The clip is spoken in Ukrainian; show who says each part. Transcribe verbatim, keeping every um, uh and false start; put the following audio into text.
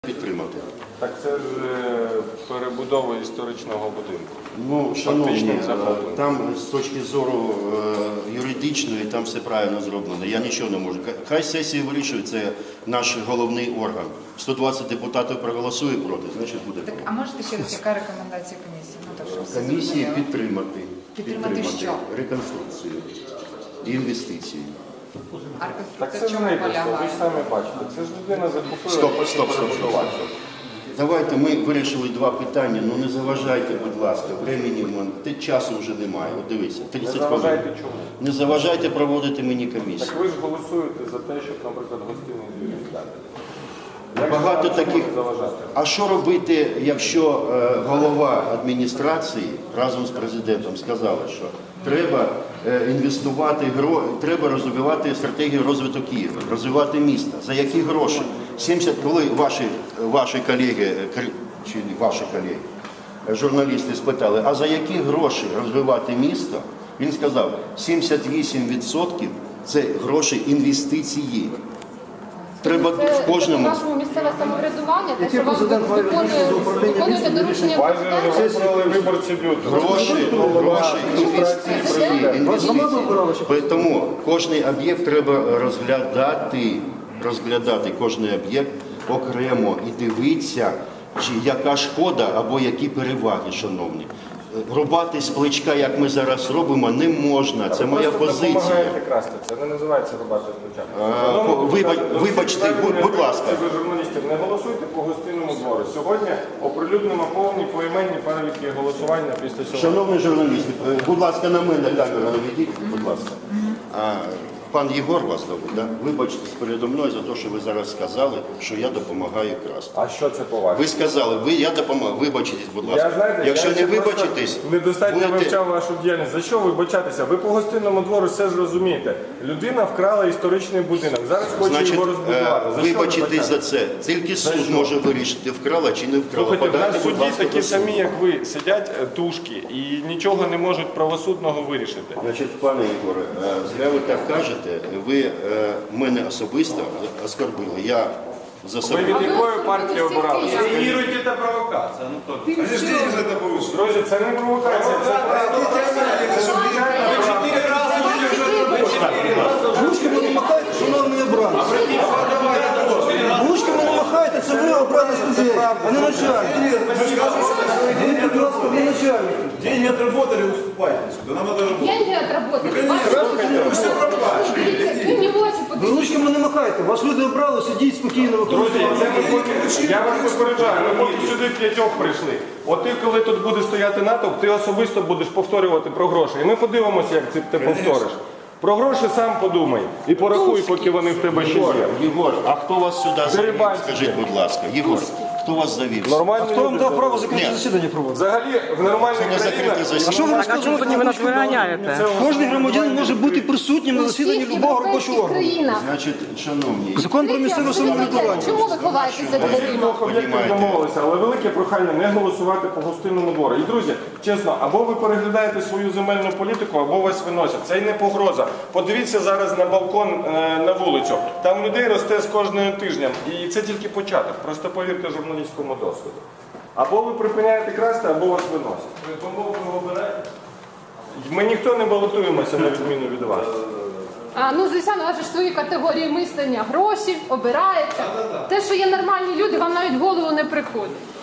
Speaker 1: Підтримати.
Speaker 2: Так це ж перебудова історичного будинку.
Speaker 1: Ну, шановні, там з точки зору е, юридичної, там все правильно зроблено. Я нічого не можу. Хай сесія вирішує, це наш головний орган. сто двадцять депутатів проголосує проти, значить буде проти.
Speaker 3: Так, а можете ще раз, яка рекомендація комісії? Ну, так, щоб все
Speaker 1: Комісії
Speaker 3: зрозуміло.
Speaker 1: підтримати,
Speaker 3: Підтримати що?
Speaker 1: реконструкцію і інвестиції.
Speaker 3: А
Speaker 2: Так
Speaker 3: реконструкція
Speaker 2: це
Speaker 3: в
Speaker 2: ж
Speaker 3: чому
Speaker 2: не просто, ви ж
Speaker 3: полягає?
Speaker 2: самі бачите. Це ж людина закупила.
Speaker 1: Стоп, стоп, стоп, стоп. Давайте ми вирішили два питання, ну не заважайте, будь ласка, времени, те часу вже немає. От дивіться,
Speaker 2: Не
Speaker 1: тридцять хвилин.
Speaker 2: заважайте чому?
Speaker 1: Не заважайте проводити мені комісію.
Speaker 2: Так ви ж голосуєте за те, щоб, наприклад, гостинний двір здати. Як
Speaker 1: Багато
Speaker 2: же вам
Speaker 1: таких.
Speaker 2: не заважати?
Speaker 1: А що робити, якщо е, голова адміністрації разом з президентом сказали, що треба е, інвестувати, гро... треба розвивати стратегію розвитку Києва, розвивати місто. За які гроші? сімдесят, коли ваші, ваші колеги, чи ваші колеги, журналісти спитали, а за які гроші розвивати місто? Він сказав, сімдесят вісім відсотків це гроші інвестиції. Треба
Speaker 4: Це
Speaker 1: в кожному.
Speaker 4: Це нашому місцеве самоврядування, те, що вам
Speaker 5: президент має
Speaker 4: виконує,
Speaker 5: до управління
Speaker 4: виконуєте доручення
Speaker 2: Вас же
Speaker 4: президента.
Speaker 2: вибрали виборці люду.
Speaker 1: Гроші, гроші, інвестиції, інвестиції. Тому кожний об'єкт треба розглядати, розглядати кожний об'єкт окремо і дивитися, чи яка шкода або які переваги, шановні. Рубати з плечка, як ми зараз робимо, не можна. Це моя позиція.
Speaker 2: Ви допомагаєте красти. Це не називається рубати з плеча.
Speaker 1: А, по- вибач- вибачте, будь- будь ласка.
Speaker 2: Ви журналістів не голосуйте по гостинному двору. Сьогодні оприлюднимо повні поіменні переліки голосування після цього.
Speaker 1: Шановні журналісти, е, будь ласка, на мене камеру наведіть, будь ласка. А, пан Єгор вас зовуть, да? Вибачте передо мною за те, що ви зараз сказали, що я допомагаю красти.
Speaker 2: А що це по-вашому?
Speaker 1: Ви сказали, ви, я допомагаю, вибачтесь, будь ласка.
Speaker 2: Я, знаєте,
Speaker 1: Якщо
Speaker 2: я
Speaker 1: не
Speaker 2: ще просто
Speaker 1: вибачитесь,
Speaker 2: недостатньо
Speaker 1: будете...
Speaker 2: вивчав вашу діяльність. За що вибачатися? Ви по гостинному двору все ж розумієте. Людина вкрала історичний будинок. Зараз хоче
Speaker 1: Значить,
Speaker 2: його розбудувати.
Speaker 1: е,
Speaker 2: За що
Speaker 1: вибачитесь за
Speaker 2: вибачатися?
Speaker 1: це. Тільки
Speaker 2: За
Speaker 1: суд
Speaker 2: що?
Speaker 1: може вирішити, вкрала чи не вкрала.
Speaker 2: Слухайте, в
Speaker 1: Подайте,
Speaker 2: нас
Speaker 1: будь
Speaker 2: судді
Speaker 1: ласка,
Speaker 2: такі
Speaker 1: до суду.
Speaker 2: самі, як ви, сидять е, тушки і нічого не можуть правосудного вирішити.
Speaker 1: Значить, пане Ігоре, е, зря ви так кажете, ви е, мене особисто оскорбили. Я за
Speaker 2: Ви
Speaker 1: собою.
Speaker 2: від якої партії обиралися?
Speaker 6: Реагируйте, это провокация. Ну, кто? Подождите же это повыше.
Speaker 2: Друзі, це не провокація, це
Speaker 5: Ручками не махайте, шановні обранці. Ручками не махайте, це ви обрані людей, а не начальник. Ви, будь ласка, не начальник.
Speaker 6: Деньги отработали, уступайте. Да нам надо работать.
Speaker 4: Деньги отработали.
Speaker 6: Вы все проплачиваете.
Speaker 4: Ви не очі
Speaker 5: Ви
Speaker 4: подивіться.
Speaker 5: ручками не махайте, вас люди обрали, сидіть спокійно,
Speaker 2: Друзі,
Speaker 5: виконуйте.
Speaker 2: це ми поки- я вас попереджаю, ми поки сюди п'ятьох прийшли. От ти, коли тут буде стояти натовп, ти особисто будеш повторювати про гроші. І ми подивимося, як це ти повториш. Про гроші сам подумай і порахуй, поки вони в тебе ще є.
Speaker 1: Єгор, а хто вас сюди завів?
Speaker 2: Дерибанський.
Speaker 1: Скажіть, будь ласка. Єгор, хто вас завів?
Speaker 2: Нормальні
Speaker 5: Хто вам
Speaker 2: люди
Speaker 5: дав право
Speaker 2: це-
Speaker 5: закрите
Speaker 1: Ні.
Speaker 5: засідання проводити?
Speaker 2: Взагалі, в нормальних
Speaker 1: Це не закрите
Speaker 2: країнах...
Speaker 1: засідання.
Speaker 5: А що ви
Speaker 7: А
Speaker 5: розказуєте?
Speaker 7: чому тоді ви нас виганяєте?
Speaker 5: Кожен громадянин може бути присутнім на
Speaker 4: У
Speaker 5: засіданні
Speaker 4: всіх
Speaker 5: любого робочого
Speaker 4: європейських
Speaker 5: органу.
Speaker 4: країнах.
Speaker 1: Значить, шановні,
Speaker 5: Закон про місцеве самоврядування.
Speaker 4: Чому ви ховаєтесь за дверима?
Speaker 2: Двох об'єктів
Speaker 1: Понімаєте.
Speaker 2: домовилися, але велике прохання не голосувати по гостинному двору. І, друзі, чесно, або ви переглядаєте свою земельну політику, або вас виносять. Це й не погроза. Подивіться зараз на балкон е, на вулицю. Там людей росте з кожним тижнем. І це тільки початок. Просто повірте журналістському досвіду. Або ви припиняєте красти, або вас виносять. Ви помовку обираєте? Ми ніхто не балотуємося на відміну від вас.
Speaker 4: А, ну, звичайно, у вас же ж свої категорії мислення. Гроші, обирається. Те, що є нормальні люди, вам навіть в голову не приходить.